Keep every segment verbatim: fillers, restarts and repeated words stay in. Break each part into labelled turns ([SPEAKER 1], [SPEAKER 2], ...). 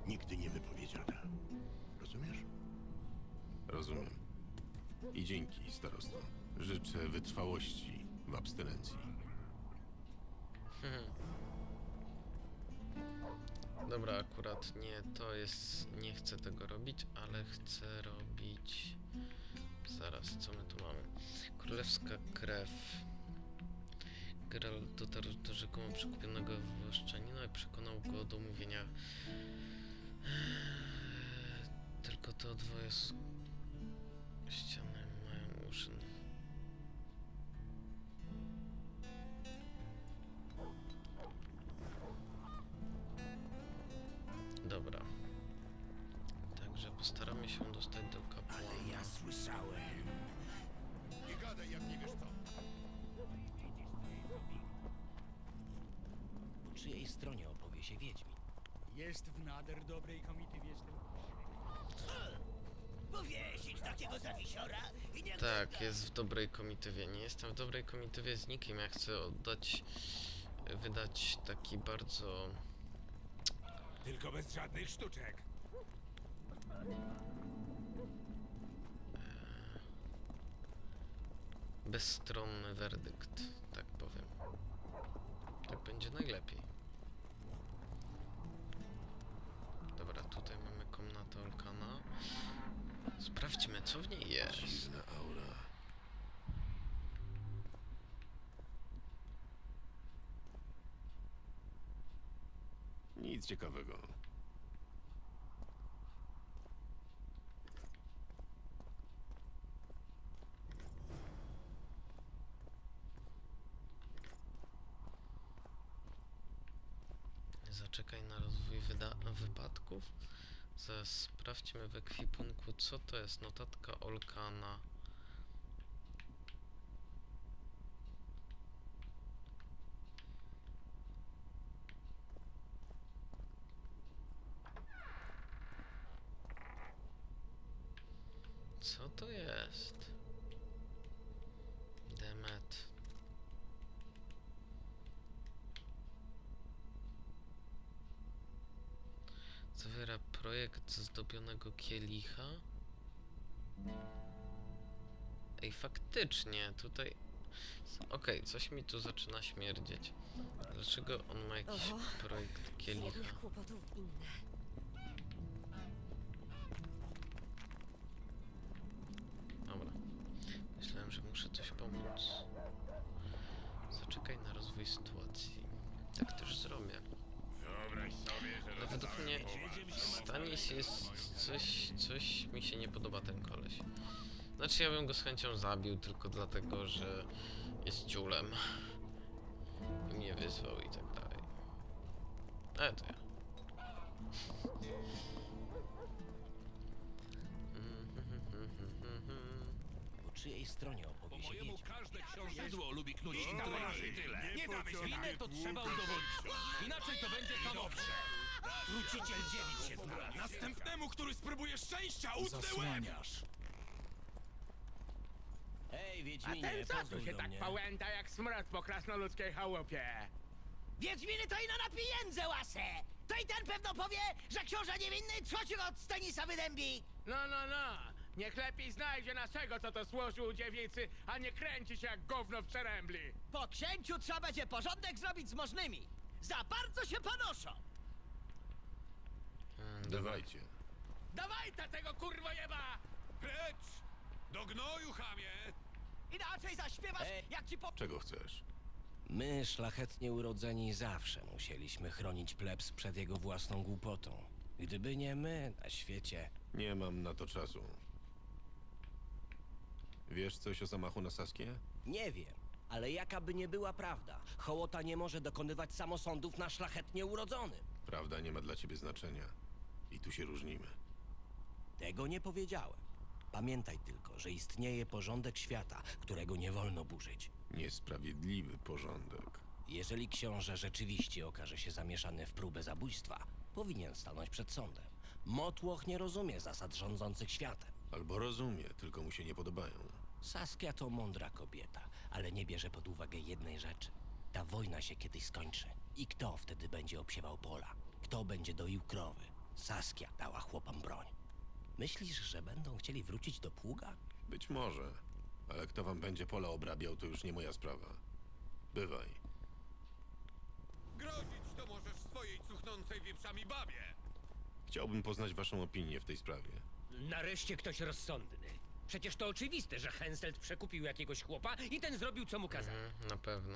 [SPEAKER 1] nigdy nie wypowiedziana. Rozumiesz?
[SPEAKER 2] Rozumiem. I dzięki, starosto. Życzę wytrwałości w abstynencji.
[SPEAKER 3] Hmm. Dobra, akurat nie, to jest... Nie chcę tego robić, ale chcę robić... Zaraz, co my tu mamy? Królewska krew. Geralt dotarł do rzekomo przekupionego włoszczanina i przekonał go do mówienia. Eee, tylko te dwoje s- ściany mają uszy. Dobra. Także postaramy się dostać do kapłana.
[SPEAKER 1] Ale ja słyszałem. Nie gadaj, jak nie wiesz co.
[SPEAKER 4] Po czyjej stronie opowie się Wiedźmin?
[SPEAKER 5] Jest w nader dobrej komitywie z tym.
[SPEAKER 6] Powiesić takiego zawisiora i nie...
[SPEAKER 3] Tak, jest w dobrej komitywie. Nie jestem w dobrej komitywie z nikim. Ja chcę oddać, wydać taki bardzo
[SPEAKER 1] Tylko bez żadnych sztuczek.
[SPEAKER 3] bezstronny werdykt, tak powiem. Tak będzie najlepiej. Dobra, tutaj mamy komnatę Olkana. Sprawdźmy, co w niej jest.
[SPEAKER 2] Dziwna aura. Nic ciekawego.
[SPEAKER 3] Zaczekaj na rozwój wyda- wypadków. Zaraz sprawdźmy w ekwipunku, co to jest. Notatka Olkana. Co to jest? Demet. Zawiera projekt zdobionego kielicha. Ej, faktycznie, tutaj... Okej, okay, coś mi tu zaczyna śmierdzieć. Dlaczego on ma jakiś
[SPEAKER 7] Oho,
[SPEAKER 3] projekt kielicha?
[SPEAKER 7] Jednych kłopotów inne.
[SPEAKER 3] Dobra. Myślałem, że muszę coś pomóc. Zaczekaj na rozwój sytuacji. Tak też zrobię.
[SPEAKER 1] Wyobraź sobie, że
[SPEAKER 3] Ale według mnie Stanis jest coś, coś mi się nie podoba ten koleś. Znaczy ja bym go z chęcią zabił tylko dlatego, że jest ciulem. I mnie wyzwał i tak dalej. Ale to ja.
[SPEAKER 4] Po czyjej stronie opowie się Wiedźmin?
[SPEAKER 8] Każde książędło lubi knuć
[SPEAKER 1] i tyle. Nie damy się
[SPEAKER 8] Winę to trzeba udowodnić. Inaczej to będzie samowsze.
[SPEAKER 6] Truciciel dziewic się znalazł.
[SPEAKER 1] Następnemu, który spróbuje szczęścia, utnę łeb!
[SPEAKER 8] Zasłaniasz.
[SPEAKER 4] Hej,
[SPEAKER 5] A
[SPEAKER 4] Wiedźminie,
[SPEAKER 5] ten co tu
[SPEAKER 4] pozwól
[SPEAKER 5] się
[SPEAKER 4] do
[SPEAKER 5] tak
[SPEAKER 4] mnie.
[SPEAKER 5] pałęta jak smrad po krasnoludzkiej chałupie?
[SPEAKER 6] Wiedźminy to ino na pieniądze łasę! To i ten pewno powie, że książę niewinny trzociu od Stanisa wydębi!
[SPEAKER 5] No, no, no. Niech lepiej znajdzie naszego, co to służył u dziewicy, a nie kręci się jak gówno w przerębli.
[SPEAKER 6] Po księciu trzeba będzie porządek zrobić z możnymi. Za bardzo się panoszą!
[SPEAKER 3] Hmm, dobra.
[SPEAKER 2] Dawajcie.
[SPEAKER 5] Dawaj ta tego kurwojeba!
[SPEAKER 1] Precz! Do gnoju, chamie!
[SPEAKER 6] Inaczej zaśpiewasz,
[SPEAKER 4] Ej.
[SPEAKER 6] jak ci po...
[SPEAKER 2] Czego chcesz?
[SPEAKER 4] My, szlachetnie urodzeni, zawsze musieliśmy chronić plebs przed jego własną głupotą. Gdyby nie my, na świecie...
[SPEAKER 2] Nie mam na to czasu. Wiesz coś o zamachu na Saskię?
[SPEAKER 4] Nie wiem, ale jaka by nie była prawda, hołota nie może dokonywać samosądów na szlachetnie urodzonym.
[SPEAKER 2] Prawda nie ma dla ciebie znaczenia. I tu się różnimy.
[SPEAKER 4] Tego nie powiedziałem. Pamiętaj tylko, że istnieje porządek świata, którego nie wolno burzyć.
[SPEAKER 2] Niesprawiedliwy porządek.
[SPEAKER 4] Jeżeli książę rzeczywiście okaże się zamieszany w próbę zabójstwa, powinien stanąć przed sądem. Motłoch nie rozumie zasad rządzących światem.
[SPEAKER 2] Albo rozumie, tylko mu się nie podobają.
[SPEAKER 4] Saskia to mądra kobieta, ale nie bierze pod uwagę jednej rzeczy. Ta wojna się kiedyś skończy. I kto wtedy będzie obsiewał pola? Kto będzie doił krowy? Saskia dała chłopom broń. Myślisz, że będą chcieli wrócić do pługa?
[SPEAKER 2] Być może, ale kto wam będzie pole obrabiał, to już nie moja sprawa. Bywaj.
[SPEAKER 1] Grozić to możesz swojej cuchnącej wieprzami babie!
[SPEAKER 2] Chciałbym poznać waszą opinię w tej sprawie.
[SPEAKER 7] Nareszcie ktoś rozsądny. Przecież to oczywiste, że Henselt przekupił jakiegoś chłopa i ten zrobił, co mu kazał.
[SPEAKER 3] Mhm, na pewno.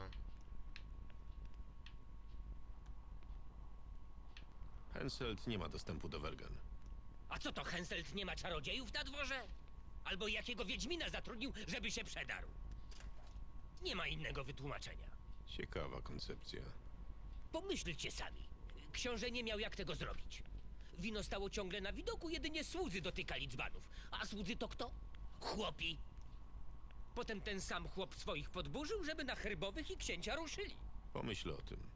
[SPEAKER 2] Henselt nie ma dostępu do Wergen.
[SPEAKER 7] A co to, Henselt nie ma czarodziejów na dworze? Albo jakiego wiedźmina zatrudnił, żeby się przedarł? Nie ma innego wytłumaczenia.
[SPEAKER 2] Ciekawa koncepcja.
[SPEAKER 7] Pomyślcie sami. Książę nie miał jak tego zrobić. Wino stało ciągle na widoku, jedynie słudzy dotykali dzbanów. A słudzy to kto? Chłopi. Potem ten sam chłop swoich podburzył, żeby na herbowych i księcia ruszyli.
[SPEAKER 2] Pomyśl o tym.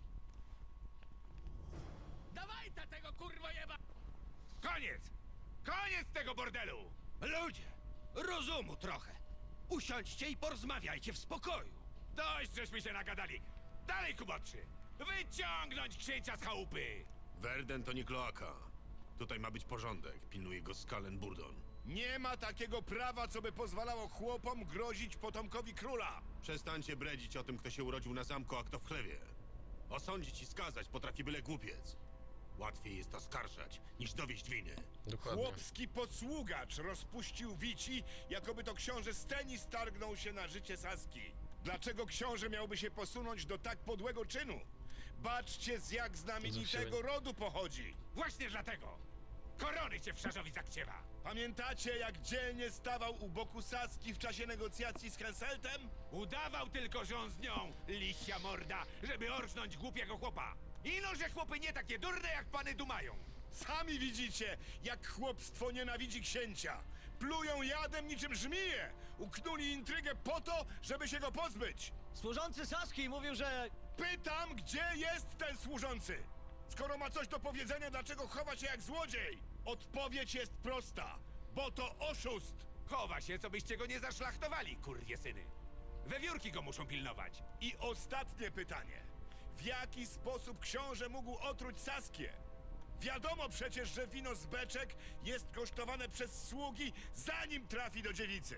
[SPEAKER 5] Dawaj ta tego kurwa jeba! Koniec! Koniec tego bordelu!
[SPEAKER 9] Ludzie, rozumu trochę. Usiądźcie i porozmawiajcie w spokoju.
[SPEAKER 5] Dość, żeśmy się nagadali! Dalej, kubotrzy! Wyciągnąć księcia z chałupy!
[SPEAKER 2] Werden to nie kloaka. Tutaj ma być porządek. Pilnuje go Skalen Burdon.
[SPEAKER 1] Nie ma takiego prawa, co by pozwalało chłopom grozić potomkowi króla!
[SPEAKER 2] Przestańcie bredzić o tym, kto się urodził na zamku, a kto w chlewie. Osądzić i skazać potrafi byle głupiec. Łatwiej jest oskarżać, niż dowieść winy.
[SPEAKER 3] Dokładnie.
[SPEAKER 1] Chłopski posługacz rozpuścił wici, jakoby to książę Stenis targnął się na życie Saski. Dlaczego książę miałby się posunąć do tak podłego czynu? Baczcie, z jak znamienitego rodu pochodzi.
[SPEAKER 5] Właśnie dlatego! Korony cię w szarzowi zakciewa!
[SPEAKER 1] Pamiętacie, jak dzielnie stawał u boku Saski w czasie negocjacji z Henseltem?
[SPEAKER 5] Udawał tylko, że on z nią, liścia morda, żeby orznąć głupiego chłopa. Ino, że chłopy nie takie durne, jak pany dumają.
[SPEAKER 1] Sami widzicie, jak chłopstwo nienawidzi księcia. Plują jadem niczym żmije. Uknuli intrygę po to, żeby się go pozbyć.
[SPEAKER 6] Służący Saski mówił, że...
[SPEAKER 1] Pytam, gdzie jest ten służący? Skoro ma coś do powiedzenia, dlaczego chowa się jak złodziej? Odpowiedź jest prosta, bo to oszust.
[SPEAKER 5] Chowa się, co byście go nie zaszlachtowali, kurwie syny. Wewiórki go muszą pilnować.
[SPEAKER 1] I ostatnie pytanie. W jaki sposób książę mógł otruć Saskię? Wiadomo przecież, że wino z beczek jest kosztowane przez sługi, zanim trafi do dziewicy.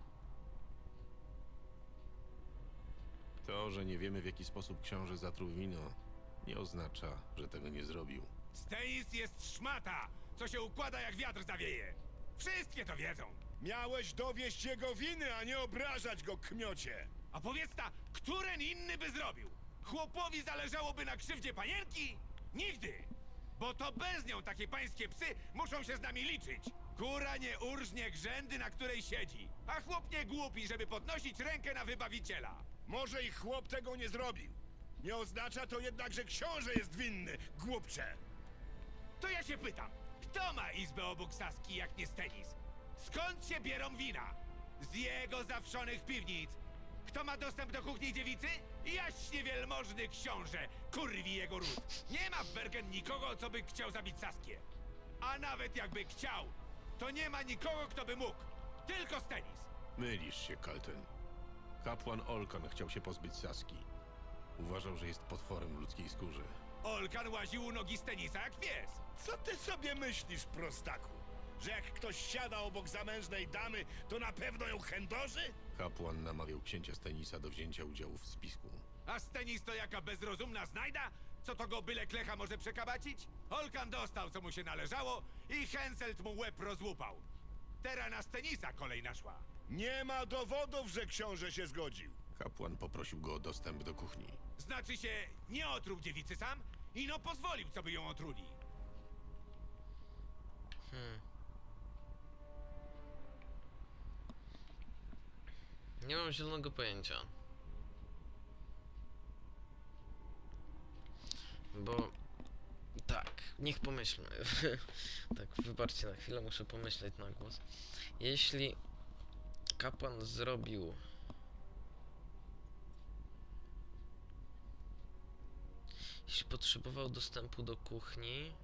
[SPEAKER 2] To, że nie wiemy, w jaki sposób książę zatruł wino, nie oznacza, że tego nie zrobił.
[SPEAKER 5] Stenis jest szmata, co się układa jak wiatr zawieje. Wszystkie to wiedzą.
[SPEAKER 1] Miałeś dowieść jego winy, a nie obrażać go, kmiocie.
[SPEAKER 5] A powiedz ta, któren inny by zrobił? Chłopowi zależałoby na krzywdzie panienki? Nigdy! Bo to bez nią takie pańskie psy muszą się z nami liczyć. Kura nie urżnie grzędy, na której siedzi. A chłop nie głupi, żeby podnosić rękę na wybawiciela.
[SPEAKER 1] Może i chłop tego nie zrobił. Nie oznacza to jednak, że książę jest winny, głupcze.
[SPEAKER 5] To ja się pytam, kto ma izbę obok Saski jak nie Stenis? Skąd się bierą wina? Z jego zawszonych piwnic. Kto ma dostęp do kuchni dziewicy? Jaśnie wielmożny książę, kurwi jego ród. Nie ma w Bergen nikogo, co by chciał zabić Saskię. A nawet jakby chciał, to nie ma nikogo, kto by mógł. Tylko Stenis.
[SPEAKER 2] Mylisz się, Kalten. Kapłan Olkan chciał się pozbyć Saski. Uważał, że jest potworem w ludzkiej skórze.
[SPEAKER 5] Olkan łaził u nogi Stenisa jak pies.
[SPEAKER 1] Co ty sobie myślisz, prostaku? Że jak ktoś siada obok zamężnej damy, to na pewno ją chędoży?
[SPEAKER 2] Kapłan namawiał księcia Stenisa do wzięcia udziału w spisku.
[SPEAKER 5] A Stenis to jaka bezrozumna znajda? Co to go byle klecha może przekabacić? Olkan dostał, co mu się należało i Henselt mu łeb rozłupał. Teraz na Stenisa kolej naszła.
[SPEAKER 1] Nie ma dowodów, że książę się zgodził.
[SPEAKER 2] Kapłan poprosił go o dostęp do kuchni.
[SPEAKER 5] Znaczy się, nie otruł dziewicy sam, ino pozwolił, co by ją otruli.
[SPEAKER 3] Hmm. Nie mam zielonego pojęcia. Bo... Tak, niech pomyślmy. Tak, wybaczcie na chwilę, muszę pomyśleć na głos. Jeśli kapłan zrobił... Jeśli potrzebował dostępu do kuchni,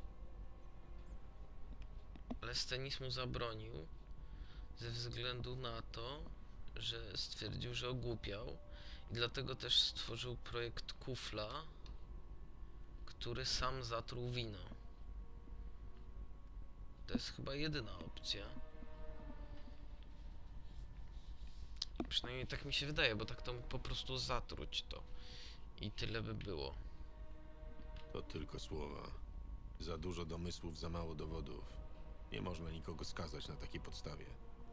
[SPEAKER 3] ale Stenis mu zabronił ze względu na to, że stwierdził, że ogłupiał i dlatego też stworzył projekt kufla, który sam zatruł wino. To jest chyba jedyna opcja. Przynajmniej tak mi się wydaje, bo tak to mógł po prostu zatruć to. I tyle by było.
[SPEAKER 2] To tylko słowa. Za dużo domysłów, za mało dowodów. Nie można nikogo skazać na takiej podstawie.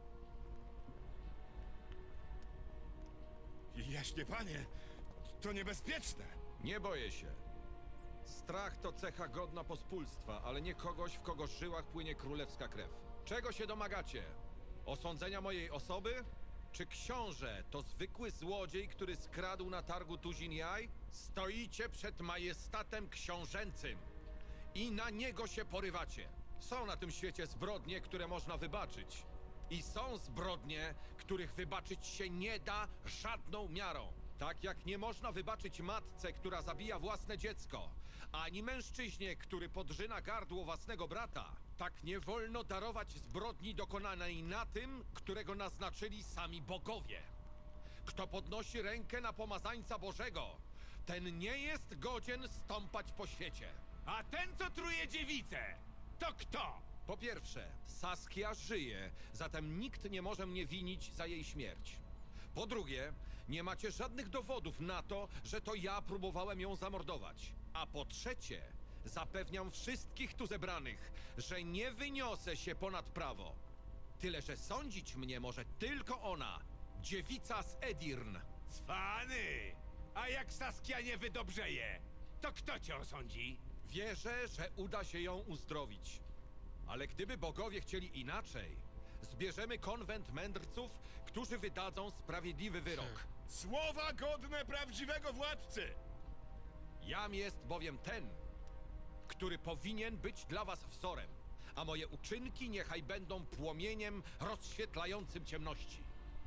[SPEAKER 1] Jaśnie panie, to niebezpieczne.
[SPEAKER 10] Nie boję się. Strach to cecha godna pospólstwa, ale nie kogoś, w kogo żyłach płynie królewska krew. Czego się domagacie? Osądzenia mojej osoby? Czy książę to zwykły złodziej, który skradł na targu tuzin jaj? Stoicie przed majestatem książęcym i na niego się porywacie. Są na tym świecie zbrodnie, które można wybaczyć. I są zbrodnie, których wybaczyć się nie da żadną miarą. Tak jak nie można wybaczyć matce, która zabija własne dziecko, ani mężczyźnie, który podrzyna gardło własnego brata, tak nie wolno darować zbrodni dokonanej na tym, którego naznaczyli sami bogowie. Kto podnosi rękę na pomazańca Bożego, ten nie jest godzien stąpać po świecie.
[SPEAKER 5] A ten, co truje dziewicę, to kto?
[SPEAKER 10] Po pierwsze, Saskia żyje, zatem nikt nie może mnie winić za jej śmierć. Po drugie, nie macie żadnych dowodów na to, że to ja próbowałem ją zamordować. A po trzecie, zapewniam wszystkich tu zebranych, że nie wyniosę się ponad prawo. Tyle, że sądzić mnie może tylko ona, dziewica z Edirn.
[SPEAKER 5] Cwany! A jak Saskia nie wydobrzeje, to kto cię osądzi?
[SPEAKER 10] Wierzę, że uda się ją uzdrowić. Ale gdyby bogowie chcieli inaczej, zbierzemy konwent mędrców, którzy wydadzą sprawiedliwy wyrok.
[SPEAKER 1] Słowa godne prawdziwego władcy.
[SPEAKER 10] Jam jest bowiem ten, który powinien być dla was wzorem, a moje uczynki niechaj będą płomieniem rozświetlającym ciemności.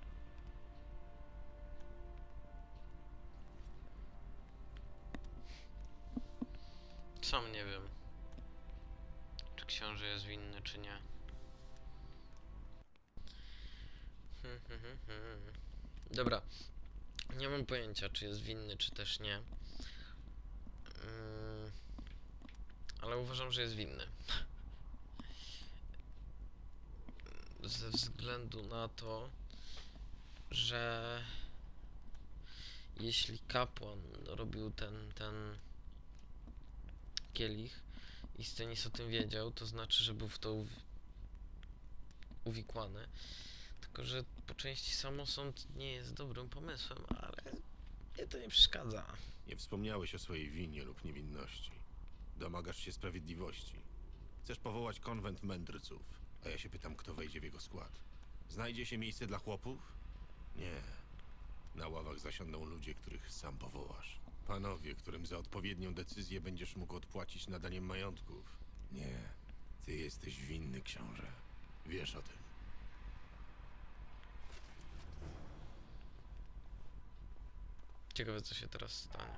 [SPEAKER 3] Sam nie wiem, czy książę jest winny, czy nie. Hmm, hmm, hmm, hmm. Dobra, nie mam pojęcia, czy jest winny, czy też nie. Yy, ale uważam, że jest winny. Ze względu na to, że jeśli kapłan robił ten, ten kielich i Stennis o tym wiedział, to znaczy, że był w to uwi uwikłany. Tylko, że po części samosąd nie jest dobrym pomysłem, ale mnie to nie przeszkadza.
[SPEAKER 2] Nie wspomniałeś o swojej winie lub niewinności. Domagasz się sprawiedliwości. Chcesz powołać konwent mędrców, a ja się pytam, kto wejdzie w jego skład. Znajdzie się miejsce dla chłopów? Nie. Na ławach zasiądą ludzie, których sam powołasz. Panowie, którym za odpowiednią decyzję będziesz mógł odpłacić nadaniem majątków. Nie. Ty jesteś winny, książę. Wiesz o tym.
[SPEAKER 3] Ciekawe, co się teraz stanie.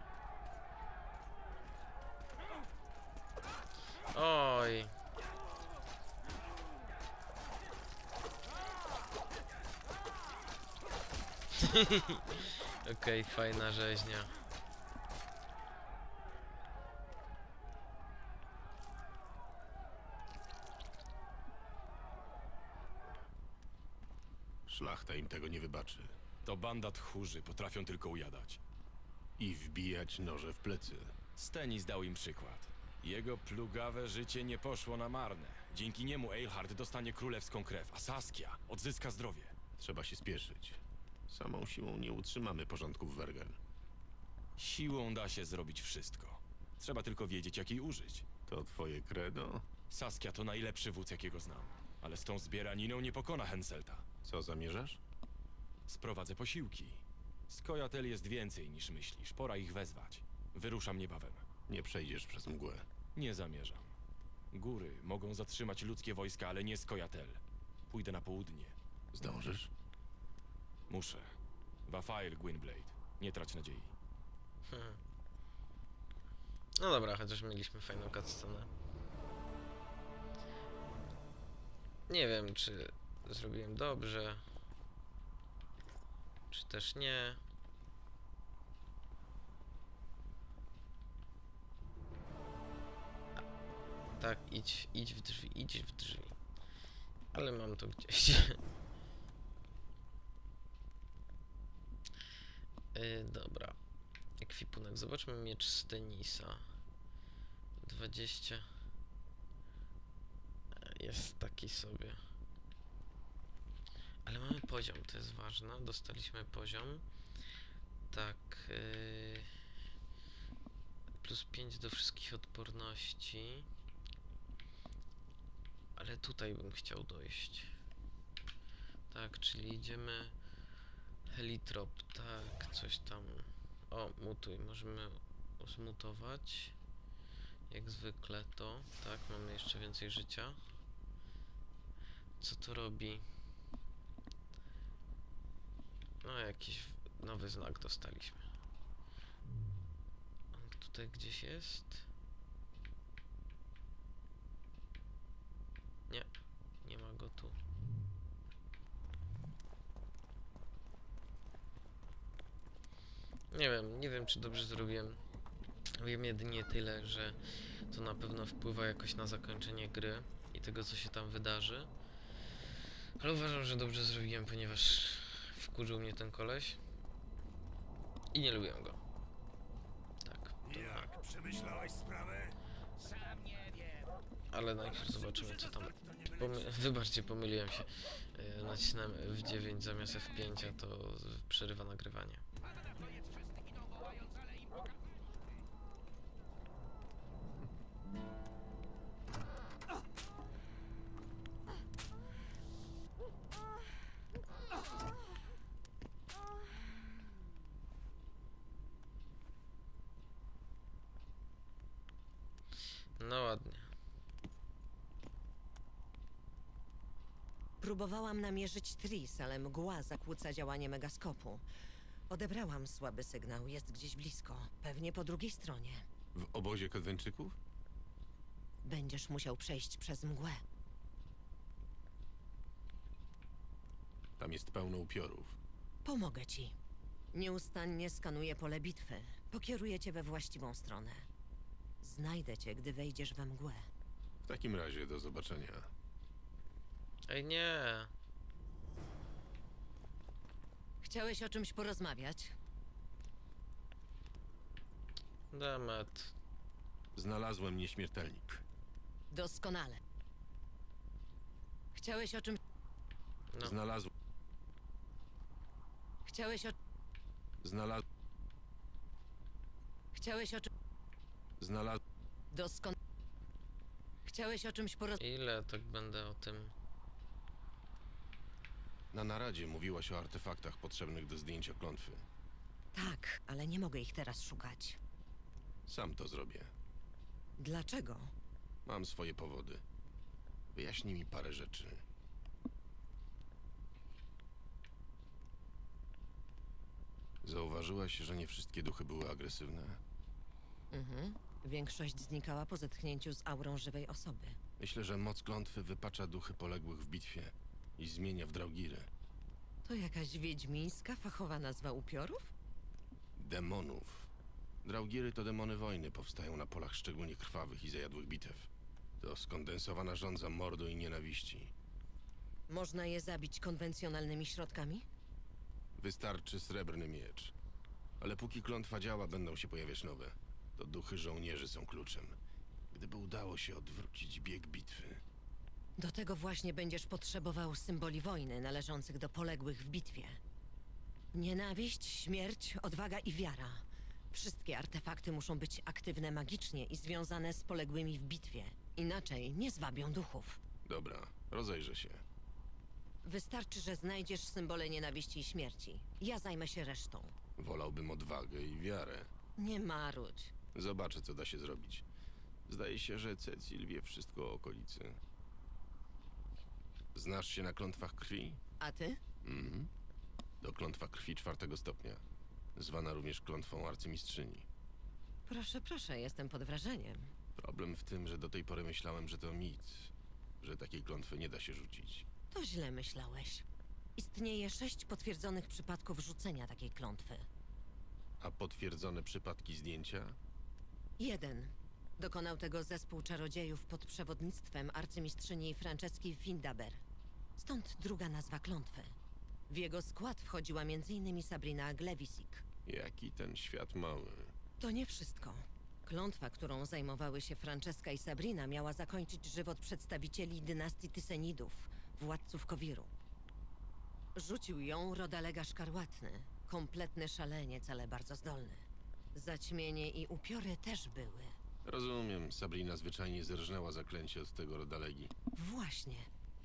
[SPEAKER 3] Oj. Okej, okay, fajna rzeźnia.
[SPEAKER 2] Szlachta im tego nie wybaczy.
[SPEAKER 11] To banda tchórzy, potrafią tylko ujadać.
[SPEAKER 2] I wbijać noże w plecy.
[SPEAKER 11] Stennis dał im przykład. Jego plugawe życie nie poszło na marne. Dzięki niemu Eilhart dostanie królewską krew, a Saskia odzyska zdrowie.
[SPEAKER 2] Trzeba się spieszyć. Samą siłą nie utrzymamy porządku w Wergen.
[SPEAKER 11] Siłą da się zrobić wszystko. Trzeba tylko wiedzieć, jak jej użyć.
[SPEAKER 2] To twoje credo?
[SPEAKER 11] Saskia to najlepszy wódz, jakiego znam. Ale z tą zbieraniną nie pokona Henselta.
[SPEAKER 2] Co zamierzasz?
[SPEAKER 11] Sprowadzę posiłki. Skojatel jest więcej niż myślisz. Pora ich wezwać. Wyruszam niebawem.
[SPEAKER 2] Nie przejdziesz przez mgłę.
[SPEAKER 11] Nie zamierzam. Góry mogą zatrzymać ludzkie wojska, ale nie Skojatel. Pójdę na południe.
[SPEAKER 2] Zdążysz?
[SPEAKER 11] Muszę. Wafail, Gwynblade. Nie trać nadziei.
[SPEAKER 3] Hmm. No dobra, chociaż mieliśmy fajną cutscenę. Nie wiem, czy zrobiłem dobrze, czy też nie. Tak, idź, idź w drzwi, idź w drzwi. Ale mam to gdzieś. Yy, dobra. Ekwipunek. Zobaczmy miecz z tenisa. dwadzieścia. Jest taki sobie. Ale mamy poziom, to jest ważne. Dostaliśmy poziom. Tak. Yy, plus pięć do wszystkich odporności. Ale tutaj bym chciał dojść. Tak, czyli idziemy. Helitrop, tak, coś tam. O, mutuj, możemy zmutować. Jak zwykle to, tak, mamy jeszcze więcej życia. Co to robi? No, jakiś nowy znak dostaliśmy. On tutaj gdzieś jest? Nie, nie ma go tu. Nie wiem, nie wiem czy dobrze zrobiłem. Wiem jedynie tyle, że to na pewno wpływa jakoś na zakończenie gry i tego co się tam wydarzy. Ale uważam, że dobrze zrobiłem, ponieważ wkurzył mnie ten koleś i nie lubię go. Tak. To
[SPEAKER 1] Jak przemyślałeś sprawę?
[SPEAKER 6] Sam nie wiem.
[SPEAKER 3] ale najpierw zobaczymy co tam. Pomy Wybaczcie, pomyliłem się. Yy, nacisnąłem F dziewięć zamiast F pięć, a to przerywa nagrywanie. No ładnie.
[SPEAKER 12] Próbowałam namierzyć Tris, ale mgła zakłóca działanie megaskopu. Odebrałam słaby sygnał, jest gdzieś blisko, pewnie po drugiej stronie.
[SPEAKER 2] W obozie Kodwenczyków?
[SPEAKER 12] Będziesz musiał przejść przez mgłę.
[SPEAKER 2] Tam jest pełno upiorów.
[SPEAKER 12] Pomogę ci. Nieustannie skanuję pole bitwy. Pokieruję cię we właściwą stronę. Znajdę cię, gdy wejdziesz we mgłę.
[SPEAKER 2] W takim razie do zobaczenia.
[SPEAKER 3] Ej nie.
[SPEAKER 12] Chciałeś o czymś porozmawiać?
[SPEAKER 3] Demet.
[SPEAKER 2] Znalazłem nieśmiertelnik.
[SPEAKER 12] Doskonale. Chciałeś o czymś...
[SPEAKER 3] No.
[SPEAKER 2] Znalazł...
[SPEAKER 12] Chciałeś o...
[SPEAKER 2] Znalazł...
[SPEAKER 12] Chciałeś o czym...
[SPEAKER 2] Znalazł...
[SPEAKER 12] Doskon... Chciałeś o czymś porozmawiać?
[SPEAKER 3] Ile tak będę o tym?
[SPEAKER 2] Na naradzie mówiłaś o artefaktach potrzebnych do zdjęcia klątwy.
[SPEAKER 12] Tak, ale nie mogę ich teraz szukać.
[SPEAKER 2] Sam to zrobię.
[SPEAKER 12] Dlaczego?
[SPEAKER 2] Mam swoje powody. Wyjaśnij mi parę rzeczy. Zauważyłaś, że nie wszystkie duchy były agresywne?
[SPEAKER 12] Mhm. Większość znikała po zetknięciu z aurą żywej osoby.
[SPEAKER 2] Myślę, że moc klątwy wypacza duchy poległych w bitwie i zmienia w draugiry.
[SPEAKER 12] To jakaś wiedźmińska, fachowa nazwa upiorów?
[SPEAKER 2] Demonów. Draugiry to demony wojny, powstają na polach szczególnie krwawych i zajadłych bitew. To skondensowana żądza mordu i nienawiści.
[SPEAKER 12] Można je zabić konwencjonalnymi środkami?
[SPEAKER 2] Wystarczy srebrny miecz. Ale póki klątwa działa, będą się pojawiać nowe. To duchy żołnierzy są kluczem. Gdyby udało się odwrócić bieg bitwy.
[SPEAKER 12] Do tego właśnie będziesz potrzebował symboli wojny należących do poległych w bitwie. Nienawiść, śmierć, odwaga i wiara. Wszystkie artefakty muszą być aktywne magicznie i związane z poległymi w bitwie. Inaczej nie zwabią duchów.
[SPEAKER 2] Dobra, rozejrzę się.
[SPEAKER 12] Wystarczy, że znajdziesz symbole nienawiści i śmierci. Ja zajmę się resztą.
[SPEAKER 2] Wolałbym odwagę i wiarę.
[SPEAKER 12] Nie marudź.
[SPEAKER 2] Zobaczę, co da się zrobić. Zdaje się, że Cecil wie wszystko o okolicy. Znasz się na klątwach krwi?
[SPEAKER 12] A ty?
[SPEAKER 2] Mhm. To klątwa krwi czwartego stopnia. Zwana również klątwą arcymistrzyni.
[SPEAKER 12] Proszę, proszę, jestem pod wrażeniem.
[SPEAKER 2] Problem w tym, że do tej pory myślałem, że to mit. Że takiej klątwy nie da się rzucić.
[SPEAKER 12] To źle myślałeś. Istnieje sześć potwierdzonych przypadków rzucenia takiej klątwy.
[SPEAKER 2] A potwierdzone przypadki zdjęcia?
[SPEAKER 12] Jeden. Dokonał tego zespół czarodziejów pod przewodnictwem arcymistrzyni Franceski Findaber. Stąd druga nazwa klątwy. W jego skład wchodziła między innymi Sabrina Glewisik.
[SPEAKER 2] Jaki ten świat mały.
[SPEAKER 12] To nie wszystko. Klątwa, którą zajmowały się Francesca i Sabrina, miała zakończyć żywot przedstawicieli dynastii Tysenidów, władców Kowiru. Rzucił ją Rodalega Szkarłatny, kompletny szaleniec, ale bardzo zdolny. Zaćmienie i upiory też były.
[SPEAKER 2] Rozumiem, Sabrina zwyczajnie zerżnęła zaklęcie od tego Rodalegi.
[SPEAKER 12] Właśnie.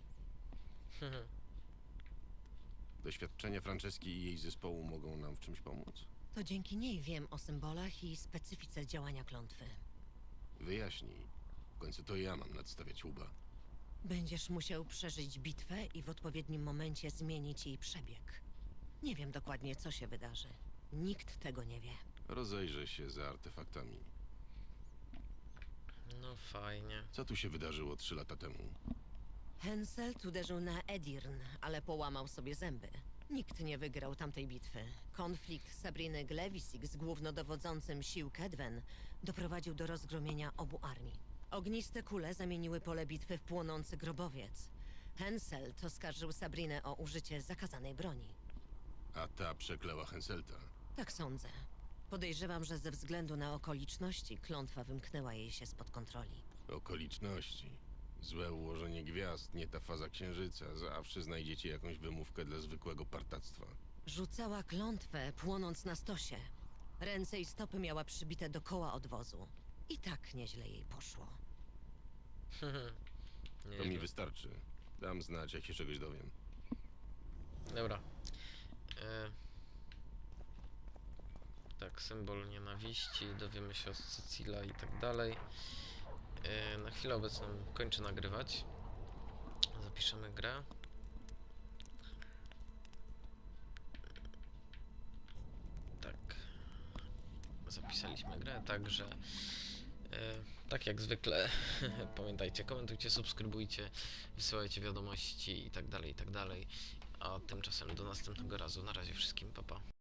[SPEAKER 2] Doświadczenia Franceski i jej zespołu mogą nam w czymś pomóc?
[SPEAKER 12] To dzięki niej wiem o symbolach i specyfice działania klątwy.
[SPEAKER 2] Wyjaśnij. W końcu to ja mam nadstawiać łba.
[SPEAKER 12] Będziesz musiał przeżyć bitwę i w odpowiednim momencie zmienić jej przebieg. Nie wiem dokładnie, co się wydarzy. Nikt tego nie wie.
[SPEAKER 2] Rozejrzę się za artefaktami.
[SPEAKER 3] No fajnie.
[SPEAKER 2] Co tu się wydarzyło trzy lata temu?
[SPEAKER 12] Henselt uderzył na Edirn, ale połamał sobie zęby. Nikt nie wygrał tamtej bitwy. Konflikt Sabriny Glewisik z głównodowodzącym sił Kedwen doprowadził do rozgromienia obu armii. Ogniste kule zamieniły pole bitwy w płonący grobowiec. Henselt oskarżył Sabrinę o użycie zakazanej broni.
[SPEAKER 2] A ta przeklęła Henselta.
[SPEAKER 12] Tak sądzę. Podejrzewam, że ze względu na okoliczności klątwa wymknęła jej się spod kontroli.
[SPEAKER 2] Okoliczności. Złe ułożenie gwiazd, nie ta faza księżyca. Zawsze znajdziecie jakąś wymówkę dla zwykłego partactwa.
[SPEAKER 12] Rzucała klątwę, płonąc na stosie. Ręce i stopy miała przybite do koła odwozu. I tak nieźle jej poszło.
[SPEAKER 2] To mi wystarczy. Dam znać, jak się czegoś dowiem.
[SPEAKER 3] Dobra. E... Tak, symbol nienawiści, dowiemy się od Cecila i tak dalej. E... Na chwilę obecną kończę nagrywać. Zapiszemy grę. Tak. Zapisaliśmy grę, także e, tak jak zwykle pamiętajcie, komentujcie, subskrybujcie, wysyłajcie wiadomości i tak dalej, i tak dalej. A tymczasem do następnego razu. Na razie wszystkim, pa pa.